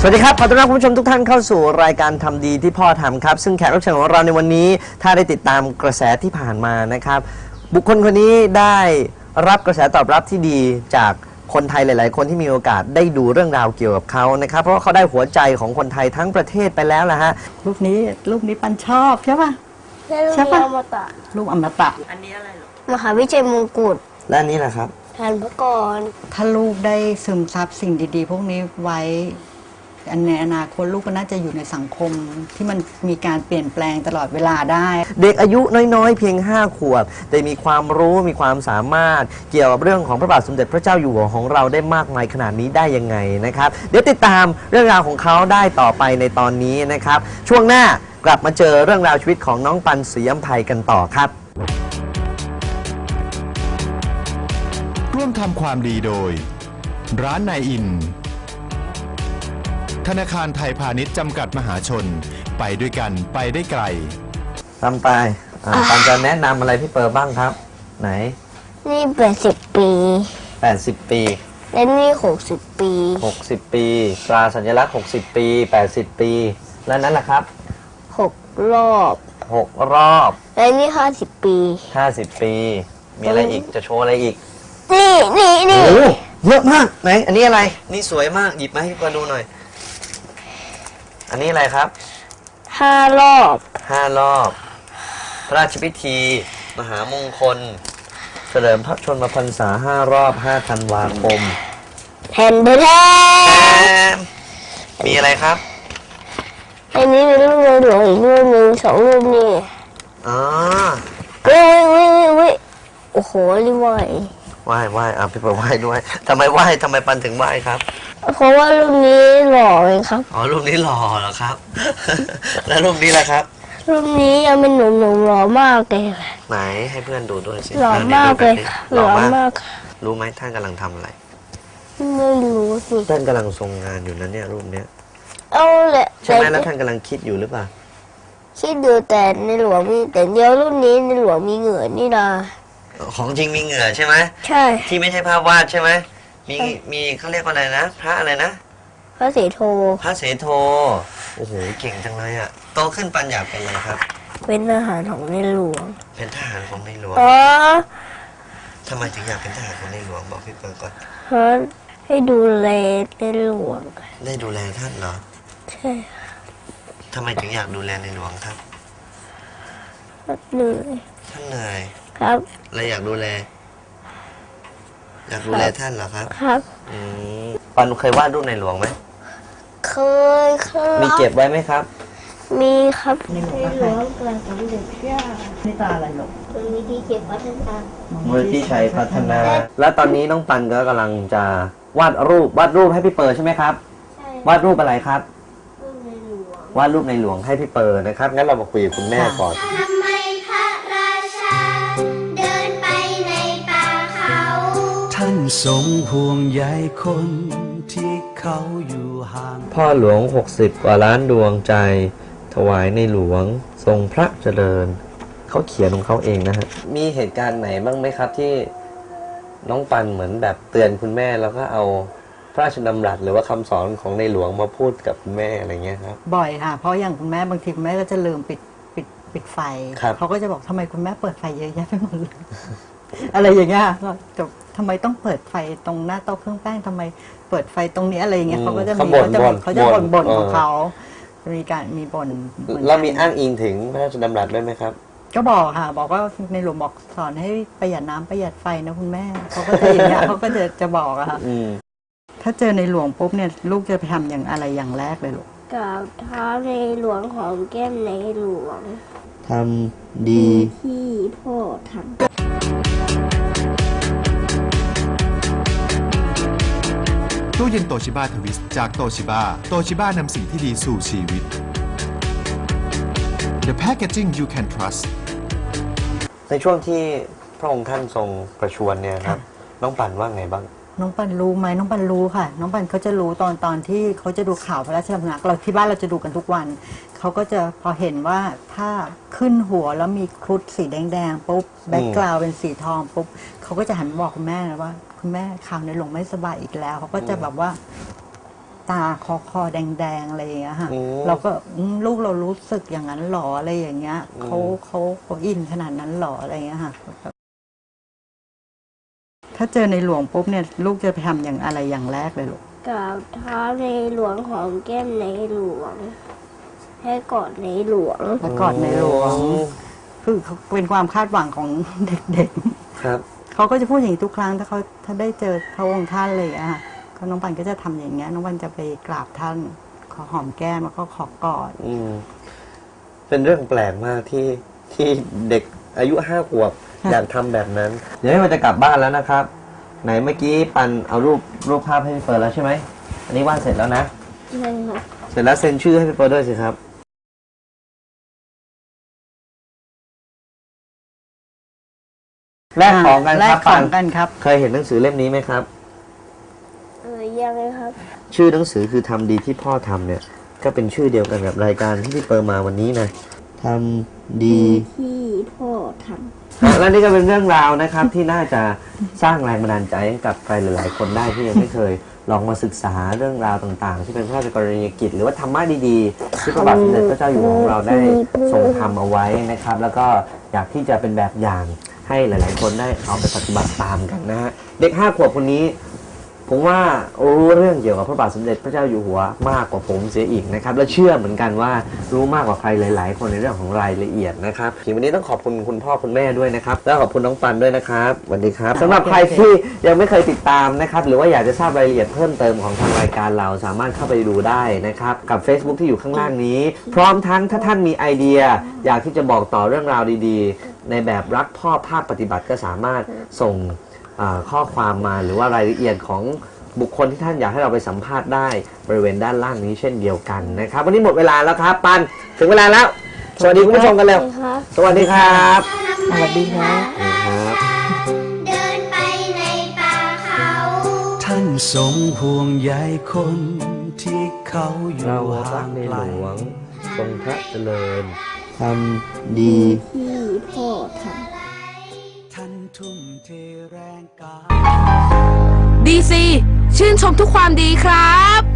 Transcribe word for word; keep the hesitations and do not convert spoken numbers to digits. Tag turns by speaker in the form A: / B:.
A: วัสดีครับขอต้อนรับคุณผู้ชมทุกท่านเข้าสู่รายการทำดีที่พ่อทำครับซึ่งแขกรับเชิญของเราในวันนี้ถ้าได้ติดตามกระแสที่ผ่านมานะครับบุคคลคนนี้ได้รับกระแสตอบรับที่ดีจากคนไทยหลายๆคนที่มีโอกาสได้ดูเรื่องราวเกี่ยวกับเขานะครับเพราะว่าเขาได้หัวใจของคนไทยทั้งประเทศไปแล้วนะฮะ
B: รูปนี้รูปนี้ปันชอบใช่ป่ะ
C: ใช่ปะอมตะ
B: รูปอมตะ
A: อันนี้อะไรหรอ
C: มหาวิจัยมงกุฎ
A: และอันนี้แหละครับ
C: ทานพระกร
B: ถ้าลูกได้ซึมซับสิ่งดีๆพวกนี้ไว้ในอนาคตลูกก็น่าจะอยู่ในสังคมที่มันมีการเปลี่ยนแปลงตลอดเวลาได้
A: เด็กอายุน้อยๆเพียงห้าขวบแต่มีความรู้มีความสามารถเกี่ยวกับเรื่องของพระบาทสมเด็จพระเจ้าอยู่หัวของเราได้มากมายขนาดนี้ได้ยังไงนะครับเดี๋ยวติดตามเรื่องราวของเขาได้ต่อไปในตอนนี้นะครับช่วงหน้ากลับมาเจอเรื่องราวชีวิตของน้องปันศรีอำไพกันต่อครับ
D: ร่วมทำความดีโดยร้านนายอินธนาคารไทยพาณิชย์จำกัดมหาชนไปด้วยกันไปได้ไกล
A: ทำไปปันจะแนะนำอะไรพี่เปิร์บ้างครับไหน
C: นี่แปดสิบปี
A: แปดสิบปี
C: และนี่หกสิบปี
A: หกสิบปีตราสัญลักษณ์หกสิบปีแปดสิบปีแล้วนั้นล่ะครับ
C: หกรอบ
A: หกรอบ
C: และนี่ห้าสิบปี
A: ห้าสิบปีมีอะไรอีกจะโชว์อะไรอีก
C: นี่นี่นี่
A: โอ้เยอะมากไหนอันนี้อะไรนี่สวยมากหยิบมาให้พี่เปิร์ดูหน่อยอันนี้อะไรครับ
C: ห้ารอบ
A: ห้ารอบพระราชพิธีมหามงคลเฉลิมพระชนมพรรษาห้ารอบห้าธันวาคม
C: แผ่นเบอร์แท
A: มมีอะไรครับ
C: อันนี้มีรูปในหลวงอีกรูปหนึ่งสองรูปนี่
A: อ๋อ
C: วิวิวิวิโอ้โหนี่ไหว
A: ไหว้ไหว้อ่ะพี่เปิดไหว้ด้วยทำไมไหว้ทำไมปันถึงไหว้ครับ
C: เพราะว่ารูปนี้หล่อเลยครับ
A: อ๋อรูปนี้หล่อเหรอครับ แล้วรูปนี้ล่ะครับ
C: รูปนี้ยังเป็นหนุ่มๆหล่อมากเลย
A: ไหนให้เพื่อนดูด้วยสิ
C: หล่อมากเลยหล่อมาก
A: รู้ไหมท่านกำลังทำอะไร
C: ไม่รู้สิ
A: ท่านกำลังทรงงานอยู่นะเนี่ยรูปเนี้ย
C: เอาแหละ
A: ใช่ไหมแล้วท่านกำลังคิดอยู่หรือเปล่า
C: คิดดูแต่ในหลวงมีแต่เดียวรูปนี้ในหลวงมีเหงื่อนี่นะ
A: ของจริงมีเหงื่อใช่ไหม
C: ใช่
A: ที่ไม่ใช่ภาพวาดใช่ไหมมีมีเขาเรียกว่าอะไรนะพระอะไรนะ
C: พระเสโท
A: พระเสโทโอ้โหเก่งจังเลยอ่ะโตขึ้นปัญญาเป็นอะไรครับ
C: เป็นทหารของในหลวง
A: เป็นทหารของในหลวง
C: อ๋อ
A: ทำไมถึงอยากเป็นทหารของในหลวงบอกพี่เปิร์ก่อน
C: เพราะให้ดูแลในหลวง
A: ได้ดูแลท่านเหรอ
C: ใช่
A: ทำไมถึงอยากดูแลในหลวงครับ
C: เหนื่อย
A: ท่านเหนื่อย
C: ครับ
A: เลยอยากดูแลอยากดูแลท่านเหรอครับ
C: ครับ
A: อืมปันเคยวาดรูปในหลวงไหม
C: เคยครับ
A: มีเก็บไว้ไหมครับ
C: มีครับในหลวงเกิดสมเด็จพระ
B: นี่ตาอะไรหรอก
C: มูลนิธิชัยพัฒนา
A: มูลนิธิชัยพัฒนาและตอนนี้น้องปันก็กำลังจะวาดรูปวาดรูปให้พี่เปิร์ใช่ไหมครับ
C: ใช่
A: วาดรูปอะไรครับ
C: รูปในหลวง
A: วาดรูปในหลวงให้พี่เปิร์นะครับงั้นเรามาคุยกับคุณแม่ก่อน
E: ทำไมพระราชาเดินไปในป่าเขา
F: ท่านทรงห่วงใยคนที่เขาอยู่ห่าง
A: พ่อหลวงหกสิบกว่าล้านดวงใจถวายในหลวงทรงพระเจริญเขาเขียนของเขาเองนะฮะมีเหตุการณ์ไหนบ้างไหมครับที่น้องปันเหมือนแบบเตือนคุณแม่แล้วก็เอาพระราชดำรัสหรือว่าคำสอนของในหลวงมาพูดกับคุณแม่อะไรเงี้ยครับ
B: บ่อยค่ะเพราะอย่างคุณแม่บางทีคุณแม่ก็จะลืมปิดปิดปิดไฟเขาก็จะบอกทำไมคุณแม่เปิดไฟเยอะแยะไปหมดเลย อะไรอย่างเงี้ยก็จะทำไมต้องเปิดไฟตรงหน้าโต๊ะเครื่องแป้งทำไมเปิดไฟตรงนี้อะไรอย่างเงี้ยเขาก็จะมีเขาจะเขาจะบ่นบ่นของเขามีการมีบ่น
A: แล้วมีอ้างอิงถึงพระราชดำรัสด้วยไหมครับ
B: ก็บอกค่ะบอกว่าในหลวงบอกสอนให้ประหยัดน้ำประหยัดไฟนะคุณแม่เขาก็จะอย่างเงี้ยเขาก็จะจะบอกอะค่ะถ้าเจอในหลวงปุ๊บเนี่ยลูกจะไปทำอย่างอะไรอย่างแรกเลยลูก
C: กราบเท้าในหลวงของแก้มในหลวง
A: ทำดี
C: ที่พ่อทำ
D: ตู้เย็นโตชิบ้าทวิสจากโตชิบ้าโตชิบ้านำสิ่งที่ดีสู่ชีวิต The packaging you can trust
A: ในช่วงที่พระองค์ท่านทรงประชวรเนี่ยครับน้องปันว่าไงบ้าง
B: น้องปันรู้ไหมน้องปันรู้ค่ะน้องปันเขาจะรู้ตอนตอนที่เขาจะดูข่าวพระราชดำรัสเราที่บ้านเราจะดูกันทุกวันเขาก็จะพอเห็นว่าถ้าขึ้นหัวแล้วมีครุฑสีแดงๆปุ๊บแบ็คกราวด์เป็นสีทองปุ๊บเขาก็จะหันบอกคุณแม่นะว่าคุณแม่ข่าวในหลวงไม่สบายอีกแล้วเขาก็จะแบบว่าตาคอคอแดงๆอะไรอย่างเงี้ยค่ะ
A: อืม
B: เราก็อืมลูกเรารู้สึกอย่างนั้นหรออะไรอย่างเงี้ยเขาเขาเขาอินขนาดนั้นหรออะไรอย่างเงี้ยค่ะถ้าเจอในหลวงปุ๊บเนี่ยลูกจะไปทำอย่างอะไรอย่างแรกเลยลูก
C: กราบเท้าในหลวงของแก้มในหลวง ให้กอดในหลวง
B: แล้วกอดในหลวงคือเขาเป็นความคาดหวังของเด็ก
A: ครับ
B: ๆเขาก็จะพูดอย่างนี้ทุกครั้งถ้าเขาถ้าได้เจอพระองค์ท่านเลยอะค่ะก็น้องปันก็จะทำอย่างเงี้ยน้องปันจะไปกราบท่านขอหอมแก้มแล้วก็ขอกอด
A: อืมเป็นเรื่องแปลกมากที่ที่เด็กอายุห้าขวบ
B: ค่ะ
A: อยากทำแบบนั้น เดี๋ยวให้มันจะกลับบ้านแล้วนะครับ ไหนเมื่อกี้ปันเอารูปรูปภาพให้พี่เฟิร์นแล้วใช่ไหมอันนี้วาดเสร็จแล้วนะ
C: ใช่ค่ะ
A: เสร็จแล้วเซ็นชื่อให้พี่เฟิร์นด้วยสิครับแลกของกัน
B: แล
A: ครั
B: ก
A: บ
B: ข
A: ปั
B: อน งกันครับ
A: เคยเห็นหนังสือเล่มนี้ไหมครับ
C: เออยังไงครับ
A: ชื่อหนังสือคือทำดีที่พ่อทำเนี่ย ก็เป็นชื่อเดียวกันกับรายการที่พี่เปิร์มาวันนี้นะทำดี
C: ที่พ่อท
A: และนี่ก็เป็นเรื่องราวนะครับ ที่น่าจะสร้างแรงบันดาลใจให้กับใครหลายๆคนได้ที่ยังไม่เคยลองมาศึกษาเรื่องราวต่างๆ ที่เป็นพระราชกรณียกิจ หรือว่าธรรมะดีๆที่พระบาทสมเด็จพระเจ้าอยู่หัวของเราได้ทรงทำเอาไว้นะครับ แล้วก็อยากที่จะเป็นแบบอย่างให้หลายๆคนได้เอาไปปฏิบัติตามกันนะฮะเด็กห้าขวบคนนี้ ผมว่ารู้เรื่องเกี่ยวกับพระบาทสมเด็จพระเจ้าอยู่หัวมากกว่าผมเสียอีกนะครับและเชื่อเหมือนกันว่ารู้มากกว่าใครหลาย ๆ คนในเรื่องของรายละเอียดนะครับทีวันนี้ต้องขอบคุณคุณพ่อคุณแม่ด้วยนะครับและขอบคุณน้องปันด้วยนะครับสวัสดีครับสำหรับใครที่ยังไม่เคยติดตามนะครับหรือว่าอยากจะทราบรายละเอียดเพิ่มเติมของทางรายการเราสามารถเข้าไปดูได้นะครับกับ Facebook ที่อยู่ข้างล่างนี้ พร้อมทั้งถ้าท่านมีไอเดีย อยากที่จะบอกต่อเรื่องราวดีๆ ในแบบรักพ่อภาคปฏิบัติก็สามารถส่งอ่าข้อความมาหรือว่ารายละเอียดของบุคคลที่ท่านอยากให้เราไปสัมภาษณ์ได้บริเวณด้านล่างนี้เช่นเดียวกันนะครับวันนี้หมดเวลาแล้วครับปันถึงเวลาแล้ว สวัสดีคุณผู้ชมกันเร็ว
C: ำครับ
A: สวัสดีครับ
B: สวัสดีครับ
A: ครับ
E: เดินไปในป่าเขา
F: ท่านทรงห่วงใยคนที่เขาอยู่
A: เรารั
F: ห่าก ง
A: ใน
F: ไก
A: ห
F: ล
A: ลวงทรงพระเจริญทำดี
C: ที่พ่อทำ
F: ท่านทุ่มเทแรงกาย
G: ดีซีชื่นชมทุกความดีครับ